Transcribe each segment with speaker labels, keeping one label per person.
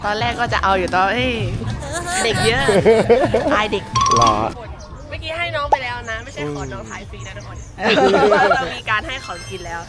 Speaker 1: ตอนแรกก็จะเอาอยู่ตอนเด็กเยอะอายเด็ก
Speaker 2: หรอ
Speaker 1: เมื่อกี้ให้น้องไปแล้วนะ ไม่ใช่ขอน้องถ่ายฟรีนะทุกคนเรามีการให้ของกินแล้ว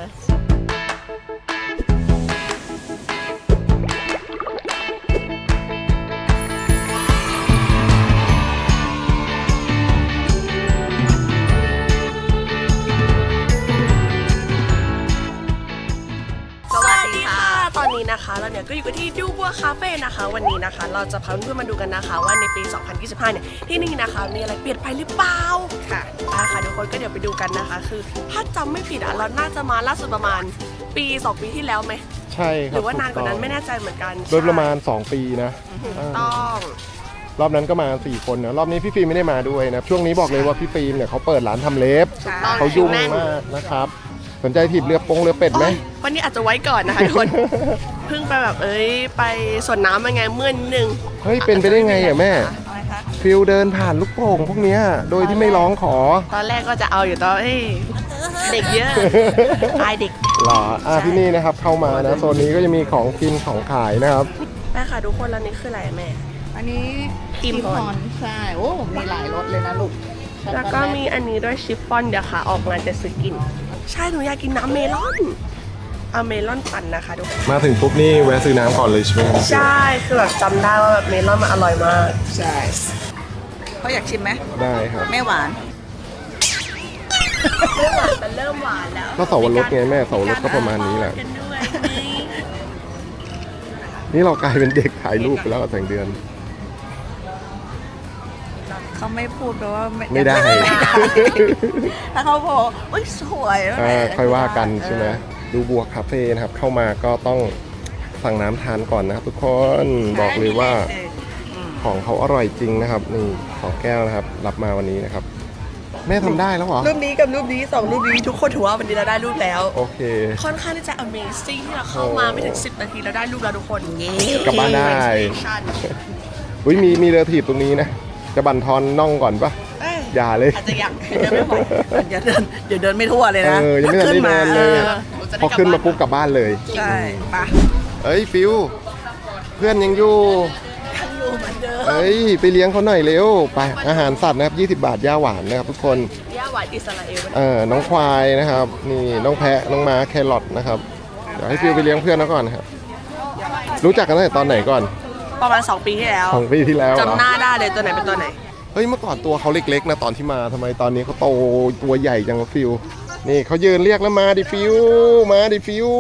Speaker 1: ตอนนี้นะคะเราเนี่ยก็อยู่กันที่ดูบัวคาเฟ่นะคะวันนี้นะคะเราจะพาเพื่อนๆมาดูกันนะคะว่าในปี 2025 เนี่ยที่นี่นะคะมีอะไรเปลี่ยนไปหรือเปล่าค่ะค่ะทุกคนก็เดี๋ยวไปดูกันนะคะคือถ้าจำไม่ผิดเราน่าจะมาล่าสุดประมาณปี 2 ปีที่แล้วไหม
Speaker 2: ใช่ครับ
Speaker 1: หรือว่านานกว่านั้นไม่แน่ใจเหมือนกัน
Speaker 2: โดยประมาณ2 ปีนะ
Speaker 1: ต้อง
Speaker 2: รอบนั้นก็มา4 คนนะรอบนี้พี่ฟิล์มไม่ได้มาด้วยนะช่วงนี้บอกเลยว่าพี่ฟิล์มเนี่ยเขาเปิดร้านทำเล็บเขายุ่งมากนะครับสนใจถีบเรือเป็ดไหม
Speaker 1: วันนี้อาจจะไว้ก่อนนะคะทุกคนเพิ่งไปแบบไปสวนน้ำมาไงเมื่อนึง
Speaker 2: เฮ้ยเป็นไปได้ไงอ่ะแม่ฟิลเดินผ่านลูกโป่งพวกเนี้ยโดยที่ไม่ร้องขอ
Speaker 1: ตอนแรกก็จะเอาอยู่ตอนเด็กเยอะอายเด็ก
Speaker 2: หรอที่นี่นะครับเข้ามานะโซนนี้ก็จะมีของกินของขายนะครับ
Speaker 1: แม่ค่ะทุกคนแล้วนี่คืออะไรแม่
Speaker 3: อันนี้
Speaker 1: กิมพอน
Speaker 3: ใช่โอ้มีหลายรสเลยนะลูก
Speaker 1: แล้วก็มีอันนี้ด้วยชิฟฟ่อนเดี๋ยวค่ะออกมาจะซื้อกินใช่หนูอยากกินน้ำเมลอนเอาเมลอนปั่นนะคะทุกคน
Speaker 2: มาถึงปุ๊บนี่แวะซื้อน้ำก่อนเลยใช่ไหม
Speaker 1: ใช่คือแบบจำได้ว่าแบบเมลอนมันอร่อยมาก
Speaker 3: ใช่เขาอยากชิมไหม
Speaker 2: ได้ครับ
Speaker 3: ไม่หวาน
Speaker 1: แต่เริ่มหวานแล้ว
Speaker 2: ก็เสาวรสไงแม่เสาวรสก็ประมาณนี้แหละนี่เรากลายเป็นเด็กถ่ายรูปไปแล้วกับแสงเดือน
Speaker 3: เขาไม่พูดแปลว่า
Speaker 2: ไม่ได้
Speaker 3: ถ้าเขาบอกอุ้ยสวย
Speaker 2: ค่อยว่ากันใช่ไหมดูบัวคาเฟ่นะครับเข้ามาก็ต้องสั่งน้ำทานก่อนนะครับทุกคนบอกเลยว่าของเขาอร่อยจริงนะครับนี่2 แก้วนะครับรับมาวันนี้นะครับแม่ทำได้แล้วเหรอ
Speaker 1: รูปนี้กับรูปนี้2 รูปนี้ทุกคนถือว่าวันนี้เราได้รูปแล้ว
Speaker 2: โอเค
Speaker 1: ค่อนข้างที่จะ Amazing ที่เราเข้ามาไม่ถึง10 นาทีเราได้รูปแล้วทุกคน
Speaker 2: กลับบ้านได้อุ้ยมีเรือถีบตรงนี้นะจะบั่นทอนน่องก่อนปะอย่าเลย
Speaker 1: อาจจะอยากเดินไม่พอ
Speaker 3: อย่าเดินไม่ทั่วเลยนะ
Speaker 2: ยังไม่ทันได้เดินเลยพอขึ้นมาปุ๊บกลับบ้านเลย
Speaker 3: ใช่ปะ
Speaker 2: ฟิวเพื่อนยังอยู่
Speaker 1: เหมือนเดิ
Speaker 2: มไปเลี้ยงเขาหน่อยเร็วไปอาหารสัตว์นะครับ20 บาทย่าหวานนะครับทุกคน
Speaker 1: ย่าหวานอิสราเอล
Speaker 2: น้องควายนะครับนี่น้องแพะน้องม้าแครอทนะครับเดี๋ยวให้ฟิวไปเลี้ยงเพื่อนเขาก่อนนะครับรู้จักกันตั้งแต่ตอนไหนก่อน
Speaker 1: ประมาณ2 ปีที่แล้ว
Speaker 2: 2 ปีที่แล้ว
Speaker 1: จำหน้าได้เลยตัวไหนเป็นตัวไหน
Speaker 2: เมื่อก่อนตัวเขาเล็กๆนะตอนที่มาทำไมตอนนี้เขาโตตัวใหญ่จังฟิวนี่เขายืนเรียกแล้วมาดิฟิวมาดิฟิว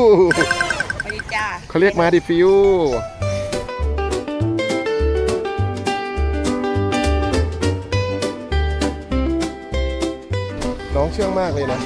Speaker 2: เขาเรียกมาดิฟิวน้องเชื่องมากเลยนะ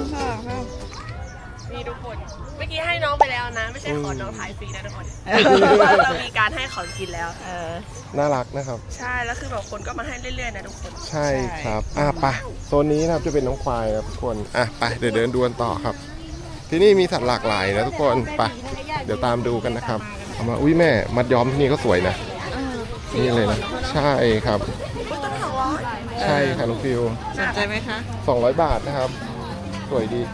Speaker 1: นี่ทุกคนเมื่อกี้ให้น้องไปแล้วนะไม่ใช่ขอน้องถ่ายฟรีนะทุกคนเรามีการให้ของกินแล้ว
Speaker 2: น่ารักนะครับ
Speaker 1: ใช่แล้วคือแบบคนก็มาให้เรื่อยๆนะทุกคน
Speaker 2: ใช่ครับไปโซนนี้นะครับจะเป็นน้องควายนะทุกคนไปเดี๋ยวเดินดูกันต่อครับที่นี่มีสัตว์หลากหลายนะทุกคนไปเดี๋ยวตามดูกันนะครับเอามาอุ้ยแม่มัดย้อมที่นี่ก็สวยนะนี่เลยนะใช่ครับใช่ค่ะน้องฟิว
Speaker 3: สนใจไหมคะ
Speaker 2: 200 บาทนะครับสวยดี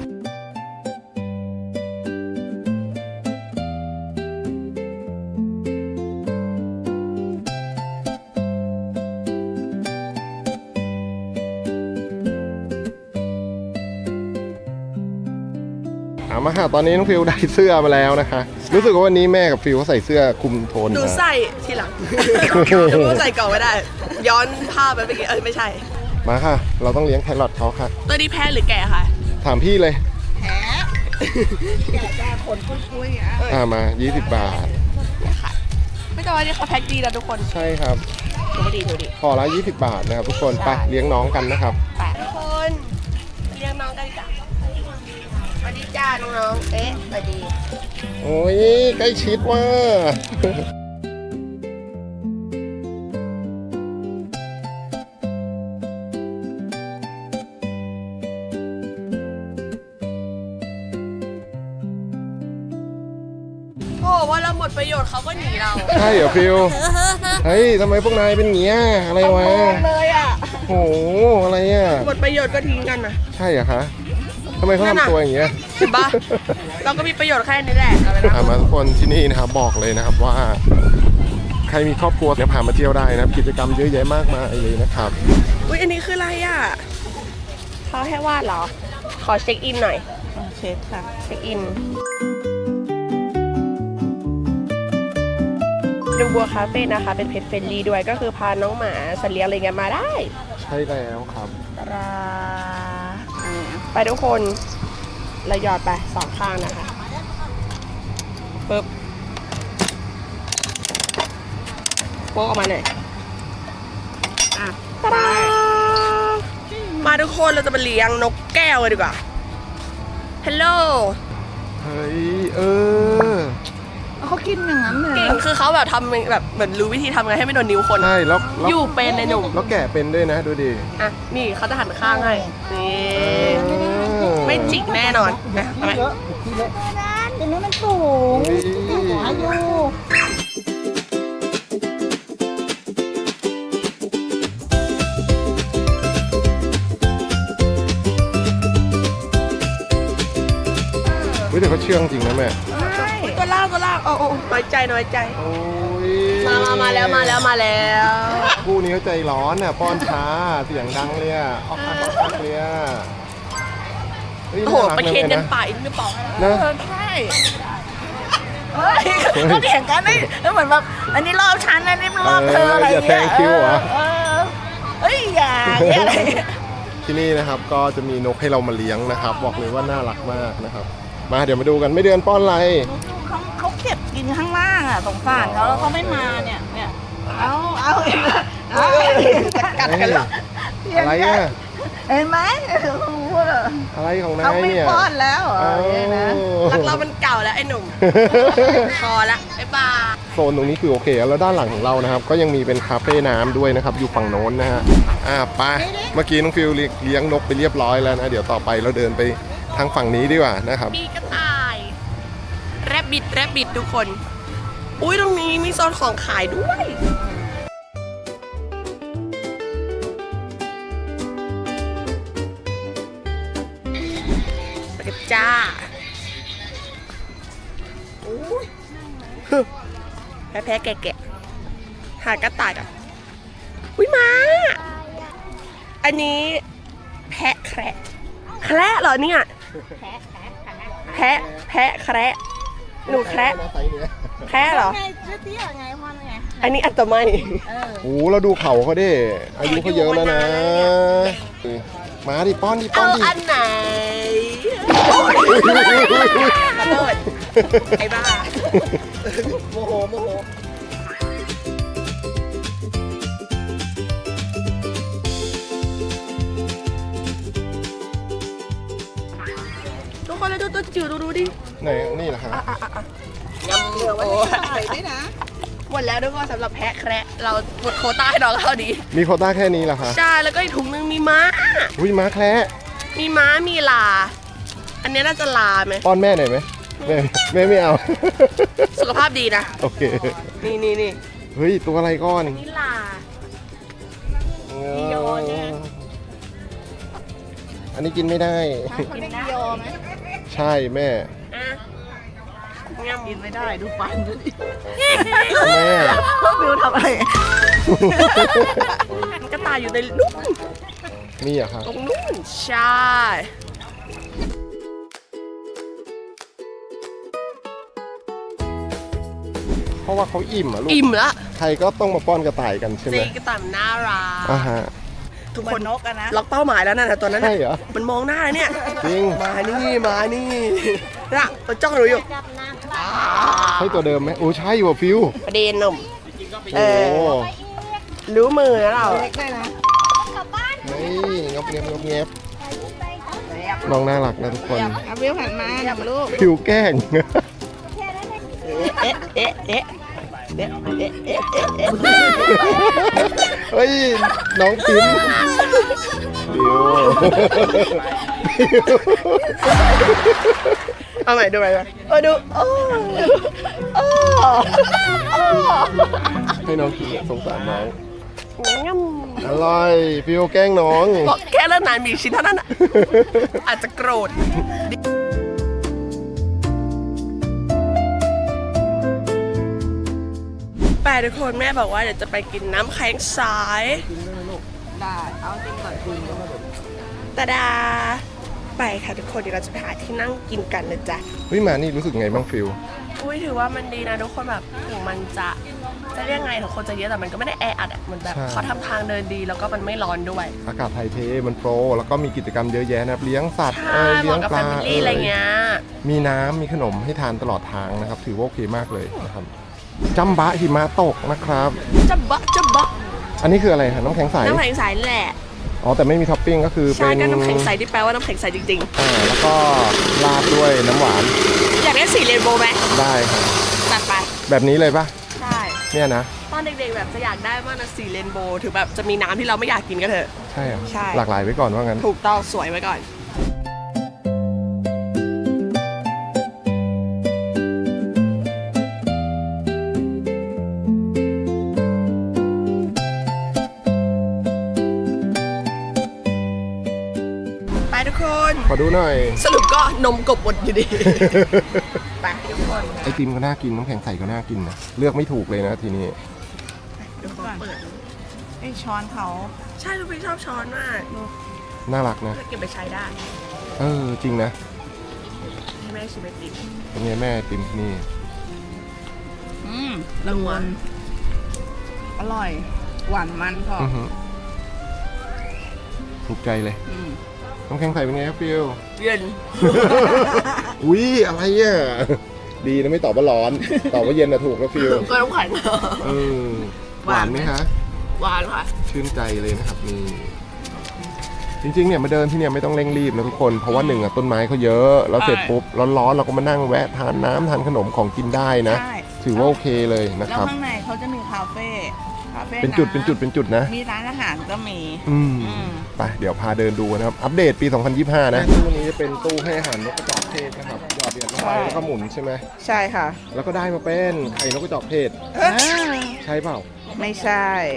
Speaker 2: มาค่ะตอนนี้น้องฟิวได้เสื้อมาแล้วนะคะรู้สึกว่าวันนี้แม่กับฟิวเขาใส่เสื้อคลุมโทน
Speaker 1: ดูใส่ทีหลังดูใส่ก่อนไม่ได้ย้อนภาพไปเมื่อกี้ไม่ใช่
Speaker 2: มาค่ะเราต้องเลี้ยงแครอทเขาค่ะ
Speaker 1: ตัวนี้แพ้หรือแก่ค่ะ
Speaker 2: ถามพี่เลย
Speaker 3: แพ้แก่จ้าขนปุ้ย
Speaker 2: มา20 บาท
Speaker 1: ไม่ต้องว่านี่เขาแพ็คดีนะทุกคน
Speaker 2: ใช่ครับ
Speaker 1: ดูดี
Speaker 2: ขอละ20 บาทนะครับทุกคนไปเลี้ยงน้องกันนะครับ
Speaker 1: ทุกคนเลี้ยงน้องกันจ้ะสวัสดีจ้าน้องๆสวัสดี
Speaker 2: โอ้ยใกล้ชิดว่า
Speaker 1: ว่าเราหมดประโยชน์เขาก็หนีเรา
Speaker 2: ใช่เหรอฟิวทำไมพวกนายเป็นเงี้ยอะไรวะ
Speaker 1: เลย
Speaker 2: โอ้อะไร
Speaker 1: หมดประโยชน์ก็ทิ้งกันนะ
Speaker 2: ใช่เหรอคะทำไมเขาทำตัวอย่างเงี้ย
Speaker 1: เห็นปะเราก็มีประโยชน์แค่นี้แหละเอาไปนะ
Speaker 2: มาทุกคนที่นี่นะครับบอกเลยนะครับว่า ใครมีครอบครัวเนี่ยพามาเที่ยวได้นะครับกิจกรรมเยอะแยะมากมายเลยนะครับ
Speaker 1: อุ้ยอันนี้คืออะไรอ่ะเขาให้วาดเหรอ ขอเช็คอินหน่อย
Speaker 3: เช็คค่ะ
Speaker 1: เช็คอินดูบัวคาเฟ่นะคะ เป็นเพจเฟรนลี่ด้วยก็คือพาน้องหมาสัตว์เลี้ยงอะไรเงี้ยมาได้
Speaker 2: ใช่แล้วครับ
Speaker 1: ไปทุกคนเราหยอดไปสองข้างนะคะปึ๊บโป๊กออกมาหน่อยอ่ะตาดามาทุกคนเราจะมาเลี้ยงนกแก้วกันดีกว่าฮัลโหล
Speaker 2: เฮ้ย
Speaker 3: เขากินอย่างนั้นเลย
Speaker 1: เก่งคือเขาแบบทำแบบเหมือนรู้วิธีทำไงให้ไม่โดนนิ้วคน
Speaker 2: ใช่แล้ว
Speaker 1: อยู่เป็นในหนุ่ม
Speaker 2: แล้วแกะเป็นด้วยนะดูดิ
Speaker 1: อ่ะนี่เขาจะหันข้างให้นี่ไม่จิกแน่นอนนะทำไม
Speaker 3: เดี๋ยวนี้มันสูงอายุ
Speaker 2: เฮ้ยแต่เขาเชื่องจริงนะแม่
Speaker 1: ตัวล่างโอ้น้อยใจ
Speaker 2: โอ้ย
Speaker 1: มาแล้ว
Speaker 2: คู่นี้เขาใจร้อนน่ะป้อนช้าเสียงดังเลยอ่ะออกอักเลยอ่ะเฮ้ย
Speaker 1: โอ้โห
Speaker 2: น่ารัก
Speaker 1: ไปเคนกัน
Speaker 2: นะ
Speaker 1: ป่าอีกไม่ปอก
Speaker 2: นะ
Speaker 3: ใช่ก็แข่งกันนี่แล้วเหมือนแบบอันนี้รอบฉันอันนี้รอบเธออะไร
Speaker 2: อย่าแทงคิวเหรอ
Speaker 3: เฮ้ยอย่าอะไร
Speaker 2: ที่นี่นะครับก็จะมีนกให้เรามาเลี้ยงนะครับ บอกเลยว่าน่ารักมากนะครับ มาเดี๋ยวมาดูกันไม่เดือนป้อนอะไร
Speaker 3: เขาเก็บกินข้างล่างอ่ะสงสารเขาแล้วเขาไม่มาเนี่ยเอากัดกันแล้ว
Speaker 2: อะไรอ่ะ
Speaker 3: เห็นไหม
Speaker 2: อะไรของนา
Speaker 3: เขา
Speaker 2: ย
Speaker 3: ไม่
Speaker 2: เนี่ย
Speaker 3: ป้อนแล้วเหรอเนี่ยนะ
Speaker 1: รักเรามันเก่าแล้วไอ้หนุ่มพอละบ๊ายบาย
Speaker 2: โซนตรงนี้คือโอเคแล้วด้านหลังของเรานะครับ ก็ยังมีเป็นคาเฟ่น้ำด้วยนะครับ อยู่ฝั่งโน้นนะฮะไปเมื่อกี้น้องฟิลเลี้ยงนกไปเรียบร้อยแล้วนะเดี๋ยวต่อไปเราเดินไปทางฝั่งนี้ดีกว่านะครับ
Speaker 1: มีกระต่ายแรบบิดทุกคน อุ้ยตรงนี้มีโซนของขายด้วยไปกันจ้าอุ้ยแพ้แกะหากระต่ายอ่ะอุ้ยมาอันนี้แพะแคระเหรอเนี่ยแพะแคระหนูแคระแคระเหรอ
Speaker 3: ไงเตี้ยไงพ่อไง
Speaker 1: อันนี้อัตไม
Speaker 2: โอ้เราดูเขาเขาดิอายุเขาเยอะแล้วนะมาดิป้อนดิป้อ
Speaker 1: เอา
Speaker 2: นดิ
Speaker 1: อันไหนขอโทษไอ้บ้าโมโหทุกคนแล้วดูตัวจิ๋วดูดิ
Speaker 2: ไหนนี่เหรอครับ
Speaker 1: ยำเหลือวันนี้ใส่ด้วยนะหมดแล้วทุกคนสำหรับแพะแคระเราหมดโควต้าให้น้องเขาดี
Speaker 2: มีโควต้าแค่นี้เหรอคะ
Speaker 1: ใช่แล้วก็อีกถุงนึงมีม้า
Speaker 2: อุ้ยม้าแคระ
Speaker 1: มีม้ามีลา อันนี้น่าจะลาไหม
Speaker 2: ป้อนแม่หน่อยไหมแม่ไม่เอา
Speaker 1: สุขภาพดีนะ
Speaker 2: โอเค
Speaker 1: นี่
Speaker 2: เฮ้ยตัวอะไรก้อน
Speaker 1: นี่ลา
Speaker 2: โยอันนี้กินไม่ได้
Speaker 3: กินได้โยไหม
Speaker 2: ใช่แม่
Speaker 1: อ่ะงำ
Speaker 3: กินไม่ได้ดูฟันดูดิ
Speaker 2: แม่
Speaker 3: ฟิวทำอะไร
Speaker 1: กระต่ายอยู่ในนู่น
Speaker 2: มีเหรอะครับ
Speaker 1: ตรงนู่นใช่
Speaker 2: เพราะว่าเขาอิ่มอะลูก
Speaker 1: อิ่มละ
Speaker 2: ใครก็ต้องมาป้อนกระต่ายกันใช่ไหม
Speaker 1: ซีกระต่ายมันน่ารัก
Speaker 2: ฮะ
Speaker 1: ทุก
Speaker 3: เหมื
Speaker 1: ค
Speaker 3: อน นนกอะนะ
Speaker 1: ล็อกเป้าหมายแล้วนะตัวนั้น
Speaker 2: ใช่
Speaker 1: น่ะ
Speaker 2: เหรอ
Speaker 1: มันมองหน้าเนี่ย
Speaker 2: จริง
Speaker 1: มานี่น่ะมันจ้องหนูอยู่
Speaker 2: ใช่ตัวเดิมไหมโอ้ใช่ว่ะฟิว
Speaker 1: ประเด็นหนุ่ม
Speaker 2: โอ้
Speaker 1: รู้มือแล้วเรา
Speaker 3: เล็กได้นะ
Speaker 2: เฮ้ยงับเงียบงับเงียบน้องน่ารักนะทุกคน
Speaker 3: เอาฟิวหันมาอย่ามาลูก
Speaker 2: ฟิวแกล้ง
Speaker 3: เอ๊ะ
Speaker 2: เฮ้ยน้องพิมพ์ฟิว
Speaker 1: เอาใหม่ดูไปดูโอ้
Speaker 2: ให้น้องกินสงสารน้อง
Speaker 1: งั้ม
Speaker 2: อร่อยฟิวแกล้งน้อง
Speaker 1: บอกแค่เรื่องนานมีชิ้นเท่านั้นอ่ะ อาจจะโกรธไปทุกคนแม่บอกว่าเดี๋ยวจะไปกินน้ำแข็งใส
Speaker 3: ได้เอาจริงก่อนคุณ
Speaker 1: ตาดาไปค่ะทุกคนเดี๋ยวเราจะไปหาที่นั่งกินกันเลยจ้ะ
Speaker 2: เฮ้ยมานี่รู้สึกไงบ้างฟิว
Speaker 1: อุ้ยถือว่ามันดีนะทุกคนแบบถึงมันจะเรียกไงถึงคนจะเยอะแต่มันก็ไม่ได้แออัดอ่ะมันแบบ
Speaker 2: ใช่
Speaker 1: เขาทำทางเดินดีแล้วก็มันไม่ร้อนด้วย
Speaker 2: อากาศไทยเทมันโปรแล้วก็มีกิจกรรมเยอะแยะนะครับเลี้ยงสัตว์
Speaker 1: ใช่เห
Speaker 2: เลี้ย
Speaker 1: มาะ
Speaker 2: ง
Speaker 1: กับ
Speaker 2: ป
Speaker 1: แฟ
Speaker 2: ลา
Speaker 1: มิลี่อะไรเงี้ย
Speaker 2: มีน้ำมีขนมให้ทานตลอดทางนะครับถือว่าโอเคมากเลยนะครับจัมบะหิมะตกนะครับ
Speaker 1: จะบะ
Speaker 2: อันนี้คืออะไรคะน้ำแข็งใส
Speaker 1: น้ำแข็งใสแหละ
Speaker 2: อ๋อแต่ไม่มีท็อปปิ้งก็คือเป็
Speaker 1: ใช่
Speaker 2: น
Speaker 1: ก็น้ำแข็งใสที่แปลว่าน้ำแข็งใสจริง
Speaker 2: แล้วก็ราดด้วยน้ำหวาน
Speaker 1: ๆ อยากได้สีเรนโบว์ไหม
Speaker 2: ได้ครับ
Speaker 1: ตัดไป
Speaker 2: แบบนี้เลยปะ
Speaker 1: ใช่
Speaker 2: เนี่ยนะ
Speaker 1: ตอนเด็กๆแบบจะอยากได้มากนะสีเรนโบว์ถึงแบบจะมีน้ำที่เราไม่อยากกินก็เถอะ
Speaker 2: ใช่เหรอ
Speaker 1: ใช่
Speaker 2: หลากหลายไว้ก่อนว่างั้น
Speaker 1: ถูกต้องสวยไว้ก่อน ไปทุกคน
Speaker 2: ขอดูหน่อย
Speaker 1: สรุปก็นมกบหมดอยู่ดี ไปทุกคน
Speaker 2: ไอติมก็น่ากินน้ำแข็งใสก็น่ากินนะเลือกไม่ถูกเลยนะทีนี้
Speaker 1: เดี๋ยวขอเปิด
Speaker 3: ไอ้ช้อนเขา
Speaker 1: ใช่ลูกพี่ชอบช้อนมาก
Speaker 2: น่ารักนะ
Speaker 1: เก็บไปใช้ได้
Speaker 2: จริงนะ
Speaker 1: ให้แม่ชิมไอติม
Speaker 2: เป็นไงแม่ไอติมที่นี่
Speaker 3: ละมุนอร่อย หวานมันพอ
Speaker 2: อื้อหือถูกใจเลย
Speaker 3: อืม
Speaker 2: น้ำแข็งใสเป็นไงครับฟิว
Speaker 1: เย็น
Speaker 2: อุ้ยอะไรอ่ะดีนะไม่ตอบว่าร้อน ตอบว่าเย็นนะถูกแล้วฟิว
Speaker 1: ก็น้ำแข็ง
Speaker 2: เออหวานไหมคะ
Speaker 1: หวานค่ะ
Speaker 2: ชื่นใจเลยนะครับนี่จริงๆเนี่ยมาเดินที่เนี่ยไม่ต้องเร่งรีบนะทุกคนเพราะว่าหนึ่งอ่ะต้นไม้เขาเยอะแล้วเสร็จปุ๊บร้อนๆเราก็มานั่งแวะทานน้ำทานขนมของกินได้นะ
Speaker 3: ใช่
Speaker 2: ถือว่าโอเคเลยนะ
Speaker 3: แล้
Speaker 2: คว รับ
Speaker 3: ข้างในเขาจะมีคาเฟ่
Speaker 2: เป็นจุด
Speaker 3: ำ
Speaker 2: เป็นจุดนะ
Speaker 3: มีร้านอาหารก็มี
Speaker 2: อืม
Speaker 3: อืม
Speaker 2: ไปเดี๋ยวพาเดินดูนะครับ อัปเดตปี 2025 นะตู้นี้จะเป็นตู้ให้อาหารนกกระจอกเทศนะครับหยอดเหรียญลงไปแล้วก็หมุนใช่ไหม
Speaker 3: ใช่ค่ะ
Speaker 2: แล้วก็ได้มาเป็นไข่นกกระจอกเทศใช่เปล่า
Speaker 3: ไม่ใช่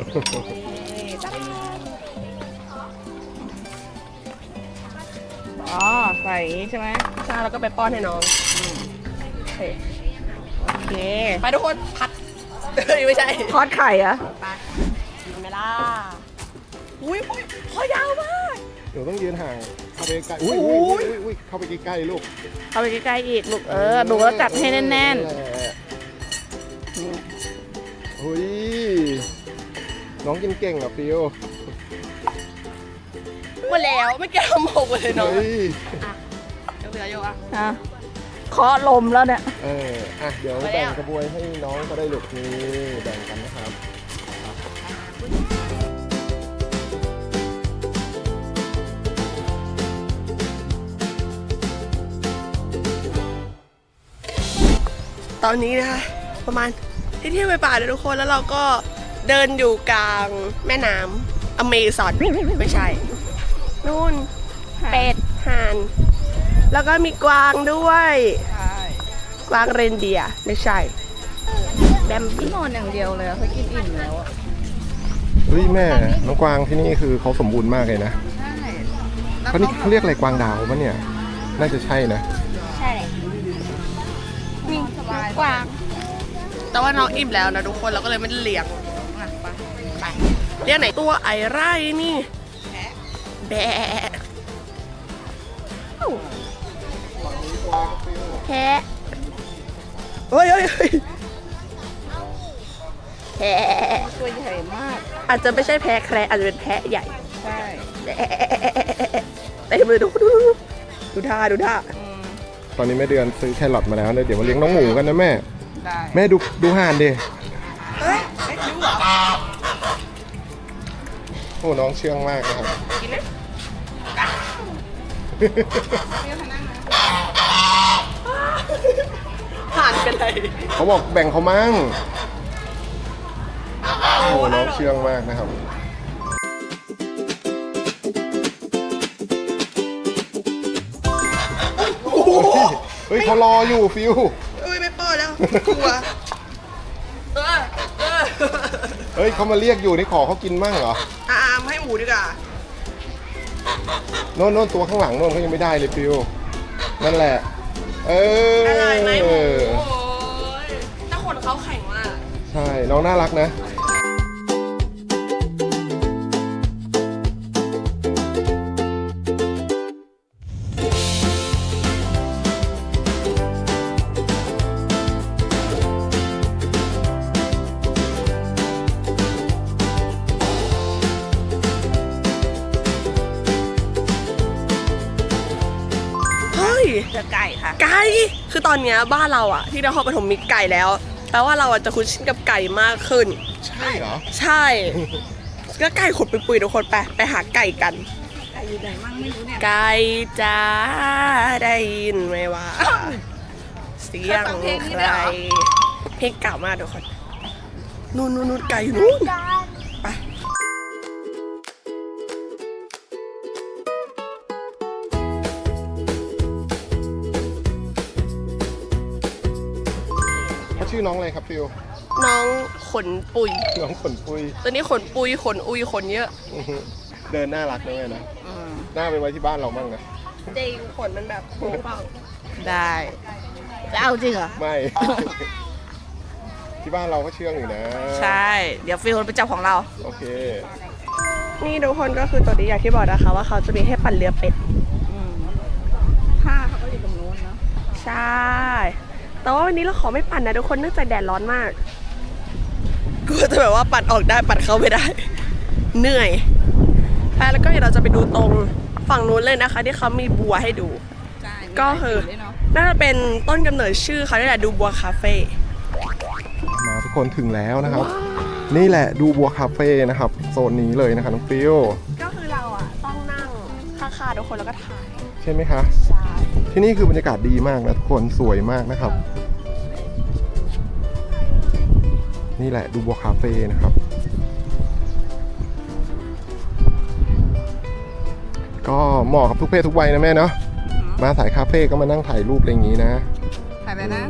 Speaker 3: อ๋อ ใส่อย่างนี้ใช่ไหม
Speaker 1: ใช่แล้วก็ไปป้อนให้น้องโอเค
Speaker 3: โอเค
Speaker 1: ไปทุกคนพัดเฮ้ยไม่ใช่
Speaker 3: ทอดไข่เหรอะ
Speaker 1: ไปกินไหมล่ะอุ้ยคอยาวมาก
Speaker 2: เดี๋ยวต้องยืนห่างเข้าไปใกล้อุ้ยเข้าไปใกล้ๆลูก
Speaker 3: เข้าไปใกล้ๆอีกลูกหนูก็จัดให้แน่น
Speaker 2: แหละอุ้ยน้องกินเก่งอ่ะฟิว
Speaker 1: หมดแล้วไม่เกี่ยวกับหมกเลยน้อง
Speaker 2: เฮ้ย
Speaker 1: เดี๋ยวเหลืออยู่อ่ะ
Speaker 3: ๆอ่ะเคาะลมแล้วเนี่ย
Speaker 2: เดี๋ยว
Speaker 1: ไปแล้ว
Speaker 2: แบ่งกระบวยให้น้องก็ได้ลูกนี่แบ่งกันนะครับ
Speaker 1: ตอนนี้นะคะประมาณเที่ยงไปป่าเลยทุกคนแล้วเราก็เดินอยู่กลางแม่น้ำอเมซอนไม่ใช่ นู่นเป็ดห่าน แล้วก็มีกวางด้วย
Speaker 3: ใช่
Speaker 1: กวางเรนเดียร์ไม่ใช่แบม
Speaker 3: พี่นอนอย่างเดียวเลยเขากินอิ่มแล้วอะ
Speaker 2: เฮ้ยแม่น้องกวางที่นี่คือเขาสมบูรณ์มากเลยนะ
Speaker 3: ใช่แล้ว
Speaker 2: เขาเรียกอะไรกวางดาวปะเนี่ยน่าจะใช่นะ
Speaker 3: ใช่มีสบายกว่า
Speaker 1: แต่ว่าน้องอิ่มแล้วนะทุกคนเราก็เลยไม่ได้เลี้ยง
Speaker 3: อ่ะไป
Speaker 1: ไปเลี้ยงไหนตัวไอไร่นี่แบะแพะเฮ้ยแพะ
Speaker 3: ตัวใหญ่มาก
Speaker 1: อาจจะไม่ใช่แพะแคระอาจจะเป็นแพะใหญ่
Speaker 3: ใช่
Speaker 1: แบะเต็มเลยดูท่า
Speaker 3: อืม
Speaker 2: ตอนนี้แม่เดือนซื้อแครอทมาแล้วเดี๋ยวมาเลี้ยงน้องหมูกันนะแม่
Speaker 3: ได้
Speaker 2: แม่ดูห่านดิ
Speaker 1: เฮ้ยไม่คิ้วเหรอ
Speaker 2: โอ้น้องเชื่องมากนะครับ
Speaker 1: กินไหมห่านเป็นไร
Speaker 2: เขาบอกแบ่งเขามั่งโอ้น้องเชื่องมากนะครับเฮ้ยเขารออยู่ฟิว
Speaker 1: อุ้ยไม่ป้อนแล้วกลัว
Speaker 2: เฮ้ยเขามาเรียกอยู่นี่ขอเขากินมั่งเหรอ
Speaker 1: ให้หมูดีกว่า
Speaker 2: โน่นตัวข้างหลังโน่นเขายังไม่ได้เลยฟิวนั่นแหละ
Speaker 1: อะไรไหมหมูโอ้ยถ้าคนเขาแข็งมาก
Speaker 2: ใช่น้องน่ารักนะ
Speaker 3: เจอไก่ค่ะ
Speaker 1: ไก่คือตอนเนี้ยบ้านเราอะที่นครปฐมมีไก่แล้วแปลว่าเราอะจะคุ้นชินกับไก่มากขึ้น
Speaker 2: ใช่เหรอ
Speaker 1: ใช่ก็ไก่ขดปุยๆทุกคนไปหาไก่กัน
Speaker 3: ไก่อยู่ไหนมั่งไม่รู้เนี่ย
Speaker 1: ไก่จ้าได้ยินไหมว่าเสียงใครเพลงเก่ามากทุกคนนู่นไก่อยู่นู่นไป
Speaker 2: เขาชื่อน้องอะไรครับฟิว
Speaker 1: น้องขนปุย
Speaker 2: น้องขนปุย
Speaker 1: ตัวนี้ขนปุยขนอุยขนเยอะ
Speaker 2: เดินน่ารักนะแม่นะหน้าไปไว้ที่บ้านเราบ้างนะ
Speaker 1: จริงขนมันแบบโค้งเปล่า
Speaker 3: ได้จะเอาจริงเหรอ
Speaker 2: ไม่ ที่บ้านเราก็เชื่องอยู่นะ
Speaker 3: ใช่ เดี๋ยวฟิลเป็นเจ้าของเรา
Speaker 2: โอเค
Speaker 1: นี่ทุกคนก็คือตัวนี้อย่างที่บอกนะคะว่าเขาจะมีให้ปั่นเรือเป็ด
Speaker 3: ผ้าเขาก็อยู่ตรงโน้นเนาะ
Speaker 1: ใช่ แต่ว่าวันนี้เราขอไม่ปั่นนะทุกคนเนื่องจากแดดร้อนมากกลัวจะแบบว่าปั่นออกได้ปั่นเข้าไม่ได้ เหนื่อยแล้วก็เดี๋ยวเราจะไปดูตรงฝั่งนู้นเลยนะคะ ที่เขามีบัวให้ดู
Speaker 3: ใช่
Speaker 1: ก็คือน่าจะเป็นต้นกำเนิดชื่อเขาได้แหละดูบัวคาเฟ่
Speaker 2: มาทุกคนถึงแล้วนะครับ นี่แหละดูบัวคาเฟ่นะครับโซนนี้เลยนะคะน้องฟิว
Speaker 1: ก็คือเราอ่ะต้องนั่งข้างๆทุกคนแล้วก็ถ่าย
Speaker 2: ใช่ไหมคะ
Speaker 1: ใช่
Speaker 2: ที่นี่คือบรรยากาศดีมากนะทุกคนสวยมากนะครับ นี่แหละดูบัวคาเฟ่นะครับ ก็เหมาะกับทุกเพศทุกวัยนะแม่เนาะมาสายคาเฟ่ก็มานั่งถ่ายรูปอะไรอย่างนี้นะ
Speaker 3: ถ่ายไปนะ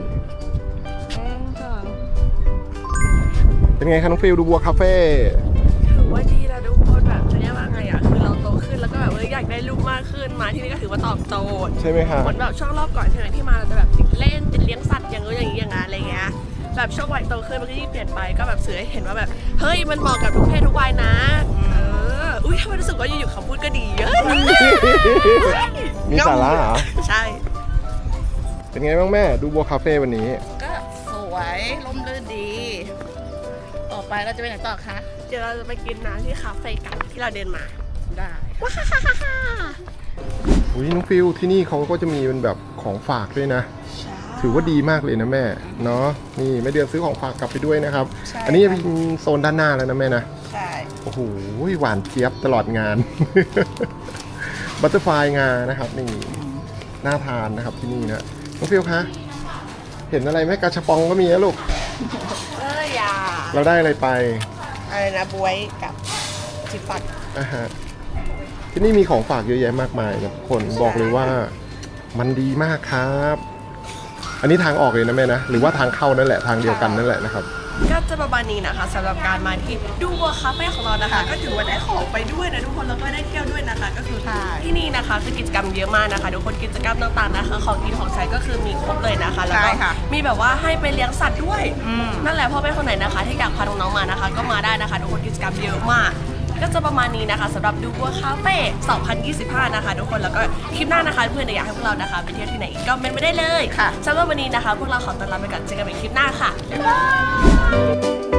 Speaker 2: เป็นไงคะน้องฟิลดูบัวคาเฟ่
Speaker 1: ถือว่าดีนะทุกคนแบบจะเรียกว่าไงอ่ะคือเราโตขึ้นแล้วก็แบบอยากได้รูปมากขึ้นมาที่นี่ก็ถือว่าตอบโจทย์
Speaker 2: ใช่ไหมคะ
Speaker 1: เหมือนแบบช่วงรอบก่อนใช่ไหมที่มาเราจะแบบติดเล่นติดเลี้ยงสัตว์อย่างนู้นอย่างนี้อย่างนั้นอะไรเงี้ยแบบช่วงวัยโตขึ้นมันก็ยิ่งเปลี่ยนไปก็แบบสื่อให้เห็นว่าแบบเฮ้ยมันเหมาะกับทุกเพศทุกวัยนะอุ้ยทำไมรู้สึกว่าอยู่ๆคำพูดก็ดีเยอะ
Speaker 2: มีสาระเหรอ
Speaker 1: ใช่
Speaker 2: เป็นไงบ้างแม่ดูบัวคาเฟ่วันนี้
Speaker 3: ก็สวยลมลื่นดี ต่อไปเราจะไปไหนต่อคะ
Speaker 1: เดี๋ยวเราจะไปกินน้ำที่คาเฟ่กันที่เราเดินมา
Speaker 3: ได้
Speaker 2: อุ้ยน้องฟิลที่นี่เขาก็จะมีเป็นแบบของฝากด้วยนะ ถือว่าดีมากเลยนะแม่เนาะนี่แม่เดือนซื้อของฝากกลับไปด้วยนะครับ อันนี้เป็นโซนด้านหน้าแล้วนะแม่นะ
Speaker 3: ใช่
Speaker 2: โอ้โหหวานเจี๊ยบตลอดงาน บัตเตอร์ไฟงานะครับนี่น่าทานนะครับที่นี่นะน้องฟิลคะเห็นอะไรไหมกาชาปองก็มีนะลูก
Speaker 1: อย่า
Speaker 2: เราได้อะไรไป
Speaker 1: อะไรนะบวยกับจิฟัน
Speaker 2: อ่าฮะที่นี่มีของฝากเยอะแยะมากมายนะทุกคนบอกเลยว่ามันดีมากครับ อันนี้ทางออกเลยนะแม่นะหรือว่าทางเข้านั่นแหละทางเดียวกันนั่นแหละนะครับ
Speaker 1: ก็จะประมาณนี้นะคะสำหรับการมาที่ดูบัวคาเฟ่ของเรานะคะ ก็ถือว่าได้ของไปด้วยนะทุกคนแล้วก็ได้เที่ยวด้วยนะคะ ก็คือที่นี่นะคะคือกิจกรรมเยอะมากนะคะทุกคนกิจกรรมต่างๆนะคะของกินของใช้ก็คือมีครบเลยนะคะแล้วก็มีแบบว่าให้ไปเลี้ยงสัตว์ด้วย นั่นแหละพ่อแม่คนไหนนะคะ ที่อยากพาน้องๆมานะคะ ก็มาได้นะคะทุกคนกิจกรรมเยอะมาก ก็จะประมาณนี้นะคะสำหรับดูบัวคาเฟ่2025นะคะทุกคนแล้วก็คลิปหน้านะคะเพื่อนๆอยากให้พวกเรานะคะไปเที่ยวที่ไหนอีกก็เมนไปได้เลย
Speaker 3: ค่ะ
Speaker 1: สำหรับวันนี้นะคะพวกเราขอตัวลาไปก่อนเจอกันใหม่คลิปหน้าค่ะบ๊ายบาย